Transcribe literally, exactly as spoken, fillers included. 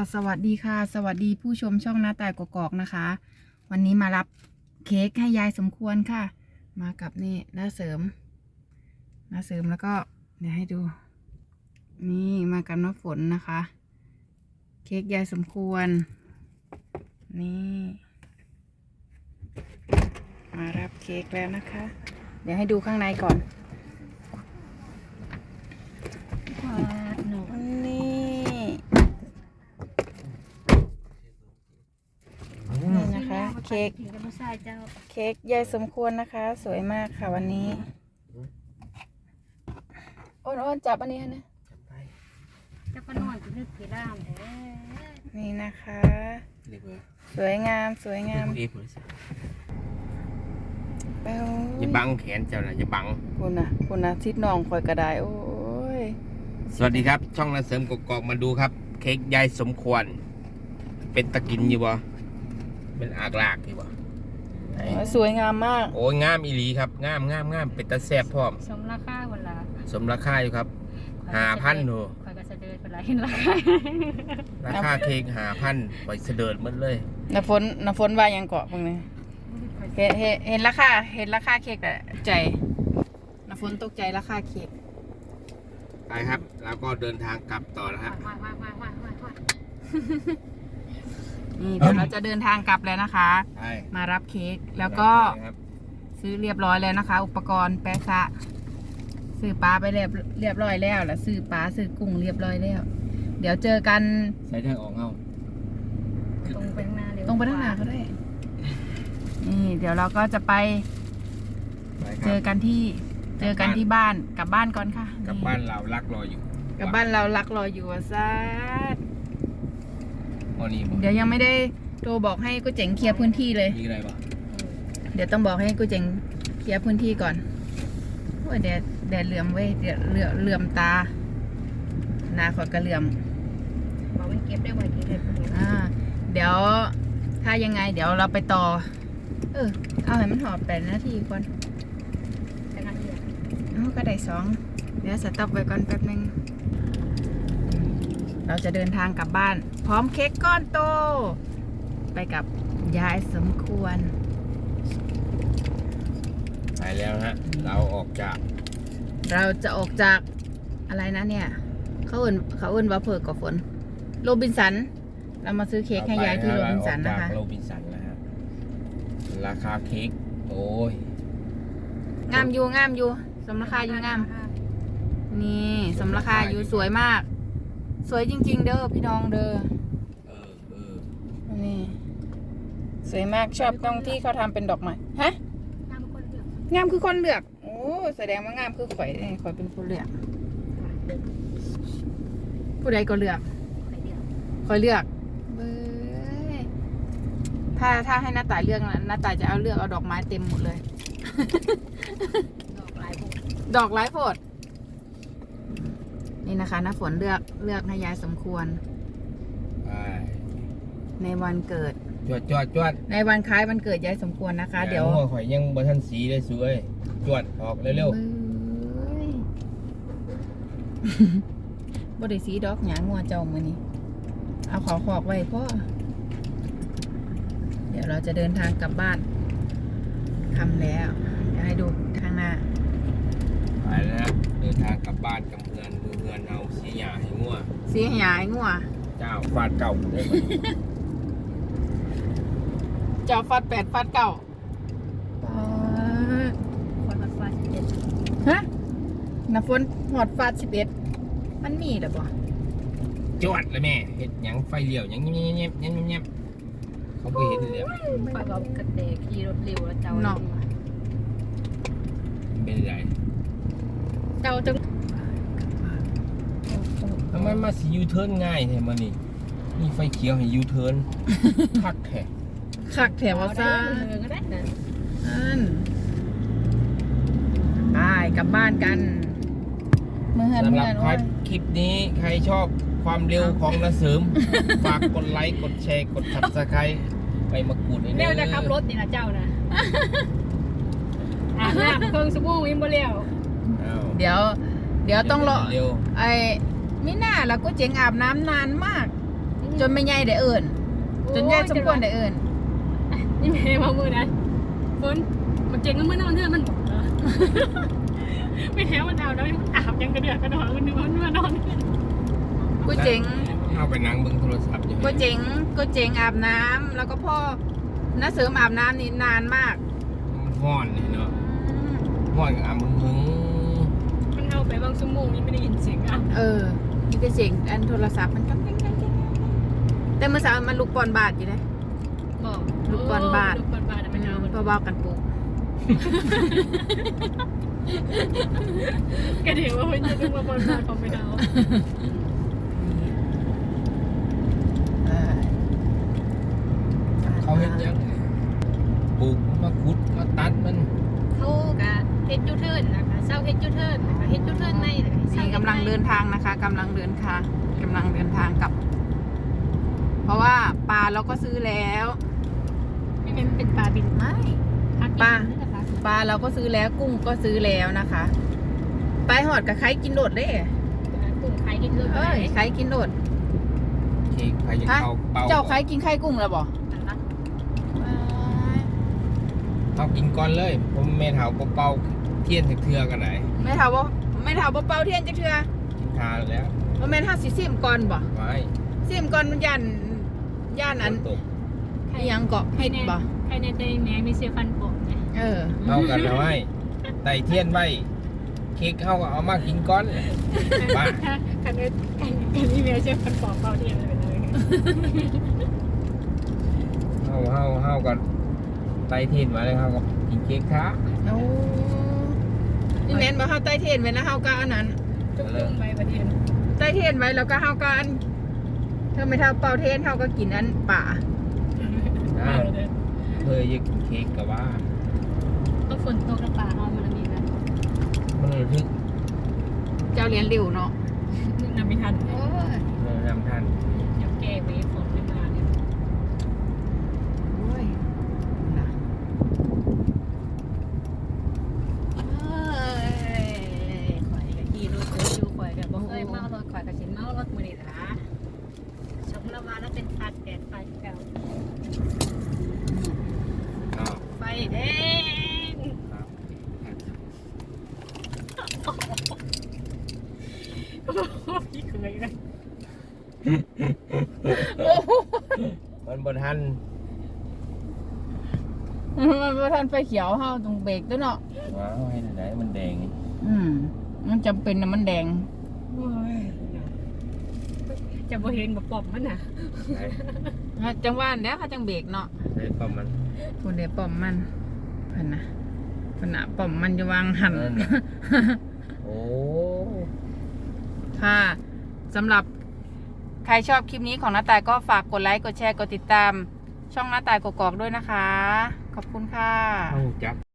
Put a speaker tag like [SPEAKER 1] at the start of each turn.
[SPEAKER 1] สวัสดีค่ะสวัสดีผู้ชมช่องหน้าต่ายกอกๆนะคะวันนี้มารับเค้กให้ยายสมควรค่ะมากับนี่น้าเสริมน้าเสริมแล้วก็เดี๋ยวให้ดูนี่มากับน้าฝนนะคะเค้กยายสมควรนี่มารับเค้กแล้วนะคะเดี๋ยวให้ดูข้างในก่อนนี่นะคะเค้กเค้กยายสมควรนะคะสวยมากค่ะวันนี้อ้นๆจับอันนี้นะ
[SPEAKER 2] จะก็นอนจะนึกผีร่ามแท้
[SPEAKER 1] นี่นะคะสวยงามสวยงามแป้ว
[SPEAKER 3] อย่าบังแขนเจ้าน่ะอย่าบัง
[SPEAKER 1] คุณนะคุณนะทิดน้องคอยกระไดโอ้ย
[SPEAKER 3] สวัสดีครับช่องนาเสริมกกอกมาดูครับเค้กยายสมควรเป็นตะกินอยู่บ่เป็นอากลากอยู่บ่
[SPEAKER 1] สวยงามมาก
[SPEAKER 3] โอ้ยงามอีหลีครับงามงามงามเป็นตะแซ่บพร้อม
[SPEAKER 2] สมราคาเวลา
[SPEAKER 3] สมราคาอยู่ครับห้าพันหนู
[SPEAKER 2] คอยก็เสด็จเวลาเห็นราคา
[SPEAKER 3] ราคาเค้กห้าพันไปเสด็จหมดเลย
[SPEAKER 1] น้ำฝนน้ำฝนว่ายังเกาะพวกนี้เห็นเห็นเห็นราคาเห็นราคาเค้กแต่ใจน้ำฝนตกใจราคาเค้ก
[SPEAKER 3] ไปครับแล้วก็เดินทางกลับต่อนะครับ
[SPEAKER 1] นี่เดี๋ยวเราจะเดินทางกลับแล้วนะคะมารับเค้กแล้วก็ซื้อเรียบร้อยแล้วนะคะ อุปกรณ์แปะซะซื้อปลาไปเรียบเรียบร้อยแล้วแล้วซื้อปลาซื้อกุ้งเรียบร้อยแล้วเดี๋ยวเจอกัน
[SPEAKER 3] ใช้ทางออกเอา
[SPEAKER 2] ตรงไปข้างหน้าเร็ว
[SPEAKER 1] ตรงไปข้างหน้าเขาได้นี่เดี๋ยวเราก็จะไปเจอกันที่เจอกันที่บ้านกลับบ้านก่อนค่ะ
[SPEAKER 3] กลับบ้านเรารักรออยู่
[SPEAKER 1] กลับบ้านเรารักรออยู่อ่ะซัด
[SPEAKER 3] นี่
[SPEAKER 1] เดี๋ยวยังไม่ได้โทรบอกให้กูเจ๋งเคลียร์พื้นที่เลย
[SPEAKER 3] มีอะไรบ้าง
[SPEAKER 1] เดี๋ยวต้องบอกให้กูเจ๋งเคลียร์พื้นที่ก่อนโอ้ยแดดแดดเหลื่อมเว้ยเดี๋ยวเหลื่อเหลื่อมตาหน้าขอดกระเหลื่อม
[SPEAKER 2] บอกว่าเก็บได้ไวเก็บได้
[SPEAKER 1] อ่าเดี๋ยวถ้ายังไงเดี๋ยวเราไปต่อเออเอาให้มันหอบแปดนาทีก่อน
[SPEAKER 2] แต่นาที
[SPEAKER 1] เอาก็ได้สองเดี๋ยวสต็อปไว้ก่อนแป๊บนึงเราจะเดินทางกลับบ้านพร้อมเค้กก้อนโตไปกับยายสมควร
[SPEAKER 3] ไปแล้วฮะเราออกจาก
[SPEAKER 1] เราจะออกจากอะไรนะเนี่ยเขาเอื่นเขาเอื่นว่าเพิกกับฝนโรบินสันเรามาซื้อเค้กให้ยายที่โรบินสันนะคะ
[SPEAKER 3] โรบินสันนะฮะราคาเค้กโอ้ย
[SPEAKER 1] งามอยู่งามอยู่สมราคาอยู่งามนี่สมราคาอยู่สวยมากสวยจริงๆเด้อพี่น้องเด้อ
[SPEAKER 3] เออเออ
[SPEAKER 1] นี่สวยมากชอบตรงที่เขาทำเป็นดอกไม้ฮะงามคือคนเลือกโอ้แสดงว่างามคือข่อยข่อยเป็นคนเลือกผู้ใดก็เลือกข่อยเลือกเบ้ยถ้าถ้าให้หน้าตายเลือกนะหน้าตายจะเอาเลือกเอาดอกไม้เต็มหมดเลย
[SPEAKER 2] ดอกหลายโพด
[SPEAKER 1] ดอกหลายโพดนี่นะคะน้าฝนเลือกเลือกให้ยายสมควรในวันเกิด
[SPEAKER 3] จวดจวดจวด
[SPEAKER 1] ในวันคล้ายวันเกิดยายสมควรนะคะเดี๋ยว
[SPEAKER 3] หัวข่อยยังบนทันสีได้สวยจวดออกเร็ว
[SPEAKER 1] ๆบริสีดอกหยางงัวเจ้ามือนี้เอาขอขอกไว้พ่อเดี๋ยวเราจะเดินทางกลับบ้านทำแล้วเดี๋ยวให้ดูทางหน้า
[SPEAKER 3] ไปแล้วเดินทางกลับบ้านกับเงินมือเงินเอาสีหยาให้งัว
[SPEAKER 1] สีหยาให้งัว
[SPEAKER 3] เจ้าฟาดเก่าได้ไหม
[SPEAKER 1] เจ้าฟาดแปดฟาดเก่า
[SPEAKER 2] คนมาฟาดสิบเอ็ด
[SPEAKER 1] ฮะน้ำฝนหอดฟาดสิบเอ็ดมันมีหรือเปล่า
[SPEAKER 3] จวดเลยแม่เห็ดยังไฟเลี้ยวยังเงี้ยเงี้ยเงี้ยเงี้ยเขาไปเห็นเลย
[SPEAKER 2] ไปแบบกระเดกขี่รถเร็วแล้วเจ้า
[SPEAKER 1] เนาะ
[SPEAKER 3] เป็นไร
[SPEAKER 1] เจ้าจัง
[SPEAKER 3] ทำไมมาสียูเทิร์นง่ายแท้มานี่นี่ไฟเขียวให้ยูเทิร์นคักแท้
[SPEAKER 1] คักแถวซ่า
[SPEAKER 2] ก็ได้นะ
[SPEAKER 1] ไปกลับบ้านกัน
[SPEAKER 3] เมื่อสำหรับคลิปนี้ใครชอบความเร็วของนาเสริมฝากกดไลค์กดแชร์กดซับสไครต์ไปมากรูด
[SPEAKER 2] เร็วจะขับรถนี่นะเจ้านะอาบน้ำเครื่องสบู่วิ่งบ่เร็ว
[SPEAKER 1] เดี๋ยวเดี๋ยวต้องรอไอ้มิน่าแล้วก็เจ๋งอาบน้ำนานมากจนไม่ใหญ่ได้เอิญจนใหญ่สมควรได้เอิญ
[SPEAKER 2] นี่แม่มามือนะฝนมันเจ๋งมันเมื่อนอนเนื่อมันบอกเหรอไม่แท้มันเอาแล้วอาบยังกระเดือกกระดอนมันนึกว่ามันมานอน
[SPEAKER 1] กูเจ๋ง
[SPEAKER 3] เอาไปนั่งเบิ่งโทรศัพท์อยู่
[SPEAKER 1] กูเจ๋งกูเจ๋งอาบน้ำแล้วก็พ่อน้าเสริมอาบน้ำนี่นานมาก
[SPEAKER 3] มันฮ้อนนี่เนาะฮ้อนกับอ่ะมึงมึง
[SPEAKER 2] มันเอาไปบางชั่วโมงนี่ไม่ได้ยินเสียงอ่ะ
[SPEAKER 1] เออนี่ก็เสียงอันโทรศัพท์มันก็แง่ๆแต่เมื่อเช้ามันลุกปอนบาทอยู่นะ
[SPEAKER 2] บอก
[SPEAKER 1] ลูกบอลบาท
[SPEAKER 2] ลูกบอลบาทมันเอา
[SPEAKER 1] เพราะว่ากันปลูก
[SPEAKER 2] กระเดี๋ยวว่ามันจะลูกบอลบาทของไม่เอา
[SPEAKER 3] เขาเฮ็ดหยังปลูกมาขุดมาตัดมัน
[SPEAKER 2] เขากะเฮ็ดยูเทิร์นนะคะเศร้าเฮ็ดยูเทิร์นนะคะเฮ็ดยูเทิร์นในเลย
[SPEAKER 1] นี่กำลังเดินทางนะคะกำลังเดินทางกำลังเดินทางกลับ เพราะว่าปลาเราก็ซื้อแล้ว
[SPEAKER 2] ไม่เป็นเป็นปลาบิน
[SPEAKER 1] ไม่
[SPEAKER 2] พัก
[SPEAKER 1] ปลา
[SPEAKER 2] นี่นะคะ
[SPEAKER 1] ปลาเราก็ซื้อแล้วกุ้งก็ซื้อแล้วนะคะไปหอดกับใครกินโดดเด้
[SPEAKER 2] กุ้งไข่กินเลย
[SPEAKER 1] เอ้ยใครกินโดด
[SPEAKER 3] เค้กใครจะ
[SPEAKER 1] ฮะ
[SPEAKER 3] เข้าเป่า
[SPEAKER 1] เจ้าใครกินไข่กุ้งแล้วบ่
[SPEAKER 3] เอากินก่อนเลย ผมแม่เฒ่าเป่าเทียนถึกเทือกันไหน
[SPEAKER 1] ไม่ถามว่าไม่ถามว่าเป่าเทียนจักเทื่อ
[SPEAKER 3] กินทานแล้ว
[SPEAKER 1] ว่าแม่นห้าสิซิมก่อนบ่
[SPEAKER 3] ไว้
[SPEAKER 1] ซิมก่อนมันย่านย่านอัน
[SPEAKER 3] ฝตก
[SPEAKER 1] อิหยังเกาะเฮ็ดบ่
[SPEAKER 2] ไข่ในเตยแม่มีเสียฟันปลอมเนี่ย
[SPEAKER 1] เออ
[SPEAKER 3] เอากันเอาไว้ไต่เทียนไว้เค้กเข้าก็เอามากินก่อนบ้า
[SPEAKER 2] คันนี้คันนี้แม่เสียฟันปลอมเปล่าที่อะไรเป็นเลย
[SPEAKER 3] เฮาเฮาเฮากันไต่เทียนมาเลยเฮาก็กินเค้กท้า
[SPEAKER 1] โอ้นี่แม่นบ่เฮาใต้เทียนไว้นะเฮาก็อันนั้น
[SPEAKER 2] จุกจุ้งไปประเดี๋ยว
[SPEAKER 1] ใต้เทียนไว้แล้วก็เฮาก็อันเธอไม่เท่าเป่าเทียนเฮาก็กินอันป่า
[SPEAKER 3] อ้าวเธออยากกินเค้กกับว่า
[SPEAKER 2] ต้องฝนตกกระป่าเอามันมีนะ
[SPEAKER 3] มันระทึก
[SPEAKER 1] เจ้าเรียนริ้วเนาะ
[SPEAKER 2] นึกนำไม่ทัน
[SPEAKER 1] โอ้ย
[SPEAKER 3] เรานำท่าน
[SPEAKER 2] เดี๋ยวแก้ไว้ฝนไม่มาเนี่ย
[SPEAKER 1] โอ้ยนะเอ้ยข่อยก็ขี่รถเยอะอยู่ข่อยก็บ่
[SPEAKER 2] เค
[SPEAKER 1] เค
[SPEAKER 2] ย
[SPEAKER 1] ย
[SPEAKER 2] เมา
[SPEAKER 1] เมา
[SPEAKER 2] รถข่อยกับสินเมารถมือนี่นะชมละมาแล้วเป็นตาแดดไฟเก่า
[SPEAKER 3] อ้าว
[SPEAKER 2] ไฟแดง พี่เคยเลย
[SPEAKER 3] มันบนทัน
[SPEAKER 1] มันบ่ทันไฟเขียวเฮาต้องเบรกตัวเนาะ
[SPEAKER 3] ว้าวให้ไหนมันแดงนี่
[SPEAKER 1] อืมมันจำเป็นนะมันแดง
[SPEAKER 2] จะบ่เห็นบ่ปอบมันน่ะ
[SPEAKER 3] ไหน
[SPEAKER 1] จังหวะแล้วเขาจังเบรกเนาะ
[SPEAKER 3] ไหนป้อมมัน
[SPEAKER 1] คุณเดี๋ยวป้อมมันเพิ่นนะเพิ่นน่ะป้อมมันจะวางหัน
[SPEAKER 3] นั่นน่ะโอ้
[SPEAKER 1] ค่ะสำหรับใครชอบคลิปนี้ของน้าตายก็ฝากกดไลค์กดแชร์กดติดตาม ช่องน้าตายกกอกด้วยนะคะ ขอบคุณค่ะ
[SPEAKER 3] เข้าจัก